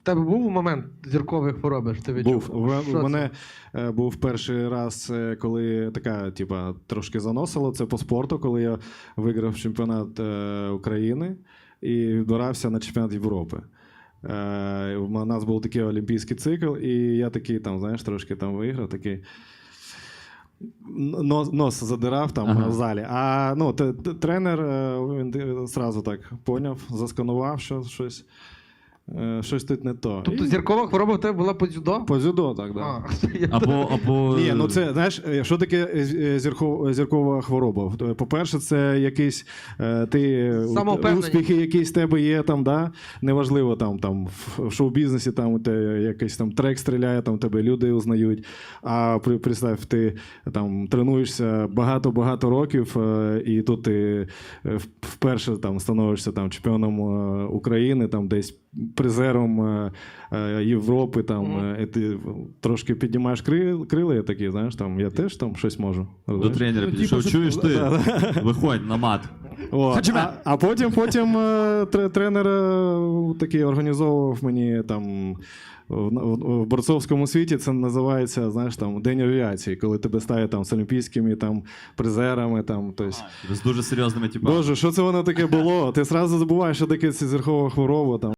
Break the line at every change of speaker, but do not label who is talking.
У тебе був момент зіркової хвороби, що ти відчув?
Був. У мене був перший раз, коли така, типа, трошки заносило. Це по спорту, коли я виграв чемпіонат України і відбирався на чемпіонат Європи. У нас був такий олімпійський цикл, і я такий, там, знаєш, трошки там виграв, такий нос задирав там в залі. А ну, тренер, він одразу так поняв, засканував, що щось тут не то.
Тобто зіркова хвороба в тебе була по дзюдо?
По дзюдо, так, да.
Або...
Ні, ну це, знаєш, що таке зіркова хвороба? По-перше, це якийсь успіхи якісь в тебе є, там, да? Неважливо, там в шоу-бізнесі там, якийсь там трек стріляє, там тебе люди узнають. А представь, ти там тренуєшся багато-багато років, і тут ти вперше там становишся там чемпіоном України, там десь призером Європи, там, і ти трошки піднімаєш крила, і такі, знаєш, там, я теж там щось можу.
До тренера підійшов, чуєш ти? Виходь на мат.
А потім тренер такий організовував мені там в борцовському світі, це називається, знаєш, там, День авіації, коли тебе ставлять там з олімпійськими там призерами, там, тобто...
З дуже серйозними типами.
Боже, що це воно таке було? Ти одразу забуваєш, що таке зіркова хвороба, там.